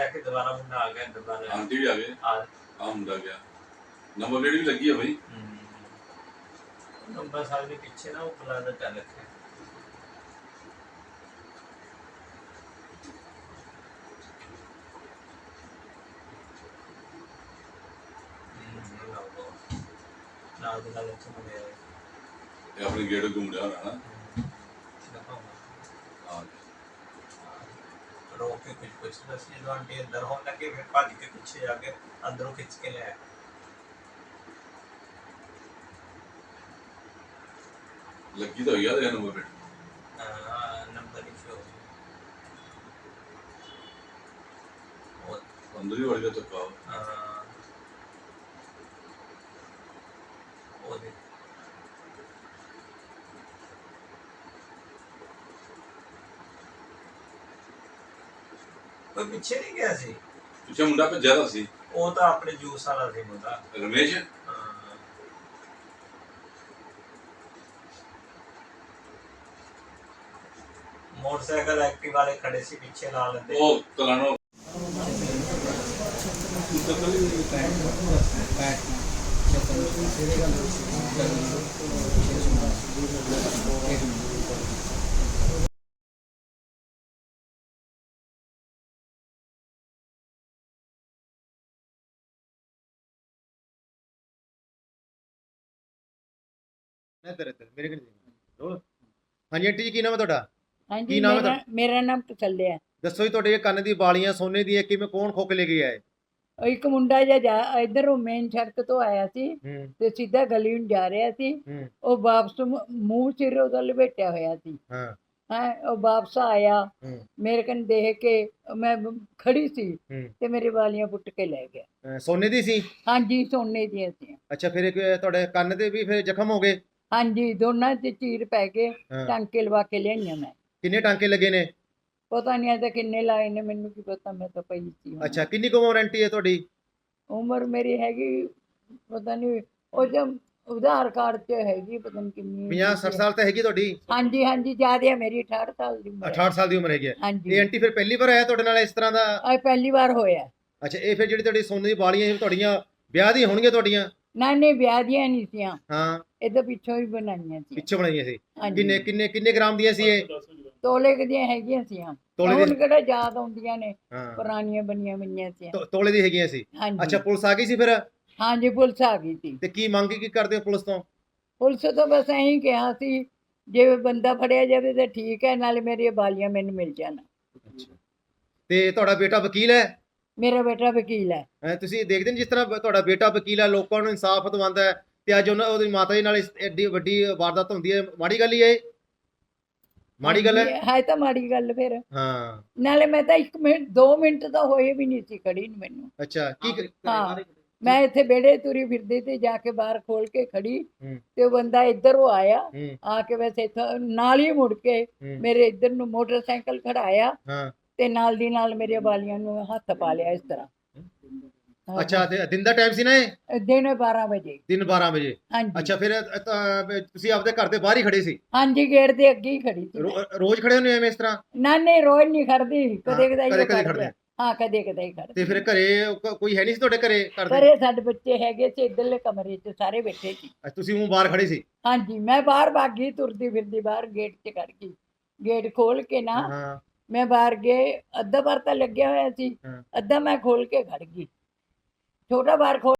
के दोबारा मुंडा आ गया दोबारा आंटी भी आ गए हाँ मुंडा गया नंबर प्लेट भी लगी है भाई नंबर साल के पीछे ना वो बुलादा चल रखे ना दिला लेते हो गया ये अपने गेट घूम रहा है ना रोक के कुछ बस ये जो आंटी अंदर होने लगे फिर भाग के पीछे जाके अंदरों खींच के ले आए लगी तो याद है नंबर प्लेट नंबर इशू अंदर ही बढ़ गया चक्का कोई पीछे नहीं गया सी पीछे मुंडा पे ज्यादा सी वो तो अपने जूस वाला सी मुंडा रमेश मोटरसाइकिल एक्टिव वाले खड़े सी पीछे ला लेते ओ तलानो ਮੇਰੇ ਕੋਲ ਹਾਂਜੀ ਆਂਟੀ ਜੀ ਕੀ ਨਾਮ ਹੈ ਤੁਹਾਡਾ हाँ ਕੀ जी ਨਾਮ ਹੈ मेरा नाम तसल्ले है ਦੱਸੋ ਜੀ ਤੁਹਾਡੇ ਇਹ ਕੰਨ ਦੀ ਵਾਲੀਆਂ ਸੋਨੇ ਦੀ ਕਿਵੇਂ ਕੌਣ ਖੋਕ ਲੈ ਕੇ ਆਇਆ ਇੱਕ ਮੁੰਡਾ ਜਿਹਾ ਇਧਰੋਂ ਮੇਨ ਸੜਕ ਤੋਂ ਆਇਆ ਸੀ ਤੇ ਸਿੱਧਾ ਗਲੀ ਨੂੰ ਜਾ ਰਿਹਾ ਸੀ ਉਹ ਵਾਪਸ ਮੂੰਹ ਸਿਰ ਉਹਦਾ ਲਪੇਟਿਆ ਹੋਇਆ ਸੀ ਹਾਂ ਉਹ ਵਾਪਸ ਆਇਆ ਮੇਰੇ ਕੰਨ ਦੇਖ ਕੇ ਮੈਂ ਖੜੀ ਸੀ ਤੇ ਮੇਰੇ ਵਾਲੀਆਂ ਪੁੱਟ ਕੇ ਲੈ ਗਿਆ ਸੋਨੇ ਦੀ ਸੀ ਹਾਂਜੀ ਸੋਨੇ ਦੀਆਂ ਸੀ ਅੱਛਾ ਫਿਰ ਤੁਹਾਡੇ ਕੰਨ ਦੇ ਵੀ ਫਿਰ ਜ਼ਖਮ ਹੋ ਗਏ ਹਾਂਜੀ ਦੋਨਾਂ 'ਚ ਚੀਰ ਪੈ ਕੇ ਟਾਂਕੇ ਲਵਾ ਕੇ ਲਿਆਈਆਂ ਮੈਂ ਕਿੰਨੇ ਟਾਂਕੇ ਲੱਗੇ ਨੇ ਪਤਾ ਨਹੀਂ ਅਜੇ ਕਿੰਨੇ ਲਾਏ ਨੇ ਮੈਨੂੰ ਕੀ ਪਤਾ ਮੈਂ ਤਾਂ ਪਈ ਸੀ ਅੱਛਾ ਕਿੰਨੀ ਕੁ ਉਮਰ ਆਂਟੀ ਹੈ ਤੁਹਾਡੀ ਉਮਰ ਮੇਰੀ ਹੈਗੀ ਪਤਾ ਨਹੀਂ ਉਹ ਜਦ ਉਧਾਰ ਕਾਰਡ 'ਚ ਹੈਗੀ ਪਤਾ ਨਹੀਂ ਕਿੰਨੀ 50-60 ਸਾਲ ਤਾਂ ਹੈਗੀ ਤੁਹਾਡੀ ਹਾਂਜੀ ਹਾਂਜੀ ਜ਼ਿਆਦਾ ਮੇਰੀ 68 ਸਾਲ ਦੀ ਉਮਰ 68 ਸਾਲ ਦੀ ਉਮਰ ਹੈਗੀ ਹਾਂਜੀ ਇਹ ਆਂਟੀ ਫਿਰ ਪਹਿਲੀ ਵਾਰ ਆਇਆ ਤੁਹਾਡੇ ਨਾਲ ਇਸ ਤਰ੍ਹਾਂ ਦਾ ਅੱਜ ਪਹਿਲੀ ਵਾਰ ਹੋਇਆ ਅੱਛਾ ਇਹ ਫਿਰ ਜਿਹੜੀ ਤੁਹਾਡੀ ਸੋਨੇ ਦੀ ਵਾਲੀਆਂ ਤੁਹਾਡੀਆਂ ਵਿਆਹ ਦੀਆਂ ਹੋਣਗੀਆਂ ਤੁਹਾਡੀਆਂ ਨਾ ਨਹੀਂ ਵਿਆਹ ਦੀਆਂ ਨਹੀਂ ਸੀਆਂ ਹਾਂ ਇਹ ਤਾਂ ਪਿੱਛੋਂ ਹੀ ਬਣਾਈਆਂ ਸੀ ਪਿੱਛੇ ਬਣਾਈਆਂ ਸੀ ਕਿੰਨੇ ਗ੍ਰਾਮ ਦੀਆਂ ਸੀ ਇਹ ਤੋਲੇ ਦੀਆਂ ਹੈਗੀਆਂ ਸੀਆਂ ਹੁਣ ਕਿਹੜਾ ਯਾਦ ਆਉਂਦੀਆਂ ਨੇ ਪੁਰਾਣੀਆਂ ਬਣੀਆਂ ਹੋਈਆਂ ਸੀ ਤੋਲੇ ਦੀ ਹੈਗੀਆਂ ਸੀ ਅੱਛਾ ਪੁਲਿਸ ਆ ਗਈ ਸੀ ਫਿਰ ਹਾਂਜੀ ਪੁਲਿਸ ਆ ਗਈ ਸੀ ਤੇ ਕੀ ਮੰਗ ਕੀ ਕਰਦੇ ਹੋ ਪੁਲਿਸ ਤੋਂ ਪੁਲਿਸ ਤੋਂ ਬਸ ਐਂ ਹੀ ਕਿਹਾ ਸੀ ਜੇ ਬੰਦਾ ਫੜਿਆ ਜਾਵੇ ਤਾਂ ਠੀਕ ਹੈ ਨਾਲੇ ਮੇਰੀਆਂ ਬਾਲੀਆਂ ਮੈਨੂੰ ਮਿਲ ਜਾਣ ਤੇ ਤੁਹਾਡਾ ਬੇਟਾ ਵਕੀਲ ਹੈ ਮੇਰਾ ਬੇਟਾ ਵਕੀਲ ਹੈ ਤੁਸੀਂ ਦੇਖਦੇ ਨੇ ਜਿਸ ਤਰ੍ਹਾਂ ਤੁਹਾਡਾ ਬੇਟਾ ਵਕੀਲ ਹੈ ਲੋਕਾਂ ਨੂੰ ਇਨਸਾਫ ਦਿਵਾਉਂਦਾ ਹੈ ਤੇ ਅੱਜ ਉਹਦੀ ਮਾਤਾ ਜੀ ਨਾਲ ਐਡੀ ਵੱਡੀ ਵਾਰਦਾਤ ਹੁੰਦੀ ਹੈ ਮਾੜੀ ਗੱਲ ਹੀ ਹੈ ਮਾੜੀ ਗੱਲ ਹੈ ਤਾਂ ਮਾੜੀ ਗੱਲ ਫਿਰ ਹਾਂ ਨਾਲੇ ਮੈਂ ਤਾਂ 1 ਮਿੰਟ 2 ਮਿੰਟ ਤਾਂ ਹੋਏ ਵੀ ਨਹੀਂ ਸੀ ਖੜੀ ਨੂੰ ਮੈਨੂੰ ਅੱਛਾ ਕੀ ਹਾਂ ਮੈਂ ਇੱਥੇ ਵਿਹੜੇ ਤੁਰੀ ਫਿਰਦੀ ਤੇ ਜਾ ਕੇ ਬਾਹਰ ਖੋਲ ਕੇ ਖੜੀ ਤੇ ਉਹ ਬੰਦਾ ਇੱਧਰੋਂ ਆਇਆ ਆ ਕੇ ਵੈਸੇ ਨਾਲ ਹੀ ਮੁੜ ਕੇ ਮੇਰੇ ਇੱਧਰ ਨੂੰ ਮੋਟਰਸਾਈਕਲ ਖੜਾਇਆ ਤੇ ਨਾਲ ਦੀ ਨਾਲ ਮੇਰੇ ਵਾਲੀਆਂ ਨੂੰ ਹੱਥ ਪਾ ਲਿਆ ਇਸ ਤਰ੍ਹਾਂ ਅੱਛਾ ਤੇ ਦਿਨ ਦਾ ਟਾਈਮ ਸੀ ਨਾ ਇਹ ਦਿਨ 12 ਵਜੇ ਦਿਨ 12 ਵਜੇ ਹਾਂਜੀ ਅੱਛਾ ਫਿਰ ਤੁਸੀਂ ਆਪਦੇ ਘਰ ਦੇ ਬਾਹਰ ਹੀ ਖੜੇ ਸੀ ਹਾਂਜੀ ਗੇਟ ਦੇ ਅੱਗੇ ਹੀ ਖੜੀ ਸੀ ਰੋਜ਼ ਖੜੇ ਹੁੰਦੇ ਐਵੇਂ ਇਸ ਤਰ੍ਹਾਂ ਨਾ ਨਹੀਂ ਰੋਜ਼ ਨਹੀਂ ਖੜਦੀ ਕਦੇ ਕਦੇ ਖੜਦੇ ਹਾਂ ਕਦੇ ਕਦੇ ਹੀ ਖੜਦੀ ਤੇ ਫਿਰ ਘਰੇ ਕੋਈ ਹੈ ਨਹੀਂ ਸੀ ਤੁਹਾਡੇ ਘਰੇ ਘਰੇ ਸਾਡੇ ਬੱਚੇ ਹੈਗੇ ਸੀ ਇੱਧਰਲੇ ਕਮਰੇ 'ਚ ਸਾਰੇ ਬੈਠੇ ਸੀ ਤੁਸੀਂ ਉਹ ਬਾਹਰ ਖੜੇ ਸੀ ਹਾਂਜੀ ਮੈਂ ਬਾਹਰ ਭਾਗੀ ਤੁਰਦੀ ਫਿਰਦੀ ਬਾਹਰ ਗੇਟ 'ਚ ਖੜ ਗਈ ਗੇਟ ਖੋਲ ਕੇ ਨਾ ਮੈਂ ਬਾਹਰ ਗਏ ਅੱਧਾ ਬਾਰ ਤਾਂ ਲੱਗਿਆ ਹੋਇਆ ਸੀ ਅੱਧਾ ਮੈਂ ਖੋਲ ਕੇ ਖੜ ਗਈ ਛੋਟਾ ਬਾਰ ਖੋਲ